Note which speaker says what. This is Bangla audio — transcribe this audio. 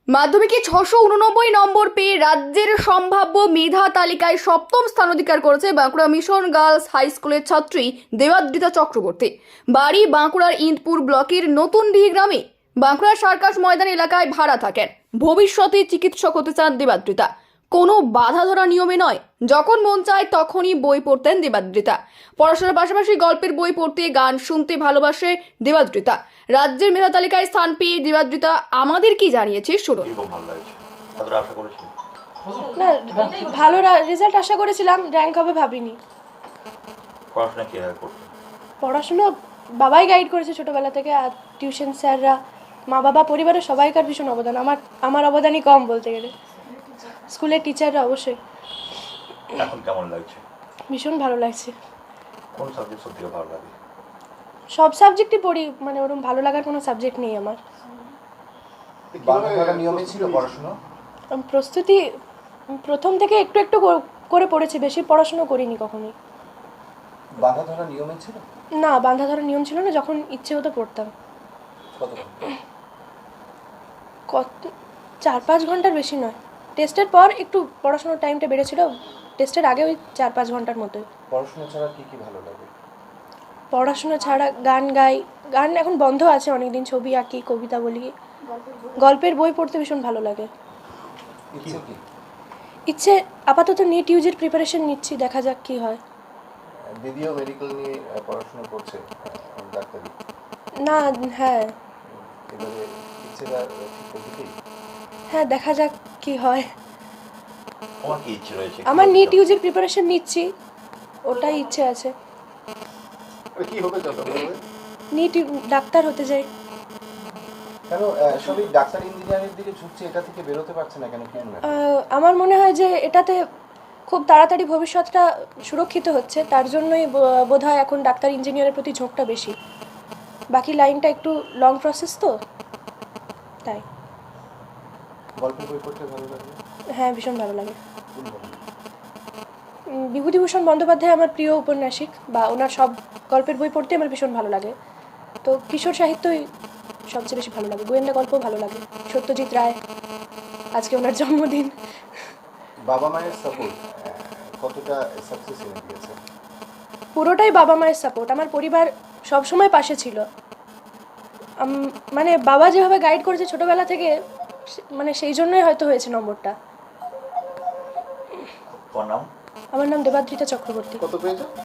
Speaker 1: মাধ্যমিকে 689 নম্বর পেয়ে রাজ্যের সম্ভাব্য মেধা তালিকায় সপ্তম স্থান অধিকার করেছে বাঁকুড়া মিশন গার্লস হাই স্কুলের ছাত্রী দেবাদ্রিতা চক্রবর্তী। বাড়ি বাঁকুড়ার ইন্দপুর ব্লকের নতুনডিহি গ্রামে। বাঁকুড়ার সার্কাস ময়দান এলাকায় ভাড়া থাকেন। ভবিষ্যতে চিকিৎসক হতে চান দেবাদ্রিতা। কোনো বাধা ধরা নিয়মে নয়, যখন মন চায় তখনই বই পড়তেন দেবাদ্রিতা। পড়াশোনার পাশাপাশি গল্পের বই পড়তে, গান শুনতে ভালোবাসে দেবাদ্রিতা। রাজ্যের মেধা তালিকায় স্থান পেয়ে দেবাদ্রিতা আমাদের কি জানিয়েছে শুনুন।
Speaker 2: না, ভালো রেজাল্ট আশা করেছিলাম, র্যাঙ্ক হবে ভাবিনি। পড়াশোনা বাবাই গাইড করেছে ছোটবেলা থেকে, আর টিউশন স্যাররা, মা বাবা, পরিবারের সবাইকার ভীষণ অবদান। আমার অবদানই কম বলতে গেলে। স্কুলের টিচাররা অবশ্যই।
Speaker 3: এখন কেমন লাগছে?
Speaker 2: ভীষণ ভালো লাগছে।
Speaker 3: কোন সাবজেক্ট সবথেকে ভালো লাগে?
Speaker 2: সব সাবজেক্টই পড়ি, মানে ওরকম ভালো লাগার কোনো সাবজেক্ট নেই আমার।
Speaker 3: বাংলা নিয়মে ছিল পড়াশোনা?
Speaker 2: প্রস্তুতি প্রথম থেকে একটু একটু করে পড়েছি, বেশি পড়াশোনা করিনি কখনোই।
Speaker 3: বাঁধা ধরা নিয়মে ছিল?
Speaker 2: না, বাঁধা ধরার নিয়ম ছিল না, যখন ইচ্ছে হতো পড়তাম। কত 4-5 ঘন্টার বেশি নয়। টেস্টের পর একটু পড়াশোনার টাইমটা বেড়েছিল, টেস্টের আগে ওই 4-5 ঘন্টার মধ্যে।
Speaker 3: পড়াশোনা ছাড়া কি ভালো লাগে?
Speaker 2: পড়াশোনা ছাড়া গান গাই, গান এখন বন্ধ আছে অনেকদিন, ছবি আঁকি, কবিতা বলি, গল্পের বই পড়তে ভীষণ ভালো লাগে। ইচ্ছে আপাতত নিট ইউজির প্রিপারেশন নিচ্ছি, দেখা যাক কি হয়।
Speaker 3: দিদিও মেডিকেল নিয়ে পড়াশোনা করছে, ডাক্তারি।
Speaker 2: না, হ্যাঁ
Speaker 3: এবারে ইচ্ছেটা ঠিক দিকেই।
Speaker 2: হ্যাঁ, দেখা যাক কি হয়।
Speaker 3: তোমার কি ইচ্ছে রয়েছে?
Speaker 2: আমার নিট ইউজির প্রিপারেশন নিচ্ছি, ওটাই ইচ্ছে আছে।
Speaker 3: কি হবে যত
Speaker 2: নিট ডাক্তার হতে চাই।
Speaker 3: কেন সবই ডাক্তার ইঞ্জিনিয়ারের দিকে ঝুঁকছে, এটা থেকে বেরোতে পারছে না কেন? কি মনে হয়?
Speaker 2: আমার মনে হয় যে এটাতে খুব তাড়াতাড়ি ভবিষ্যৎটা সুরক্ষিত হচ্ছে, তার জন্যই বোধহয় এখন ডাক্তার ইঞ্জিনিয়ারের প্রতি ঝোঁকটা বেশি। বাকি লাইনটা একটু লং প্রসেস তো, তাই।
Speaker 3: গল্পের বই পড়তে ভালো লাগে?
Speaker 2: হ্যাঁ, ভীষণ ভালো লাগে। বিভূতিভূষণ বন্দ্যোপাধ্যায় আমার প্রিয় উপন্যাসিক, বা ওনার সব গল্পের বই পড়তে আমার ভীষণ ভালো লাগে। তো কিশোর সাহিত্যই সবচেয়ে বেশি ভালো লাগে, গোয়েন্দা গল্পও ভালো লাগে। সত্যজিৎ রায়, আজকে ওনার জন্মদিন।
Speaker 3: বাবা মায়ের সাপোর্ট কতটা সাকসেস এনে দিয়েছে?
Speaker 2: পুরোটাই বাবা মায়ের সাপোর্ট। আমার পরিবার সবসময় পাশে ছিল। মানে বাবা যেভাবে গাইড করেছে ছোটবেলা থেকে, মানে সেই জন্যই হয়তো হয়েছে নম্বরটা।
Speaker 3: তোমার নাম?
Speaker 2: আমার নাম দেবাদ্রিতা চক্রবর্তী।
Speaker 3: কত পেয়েছো?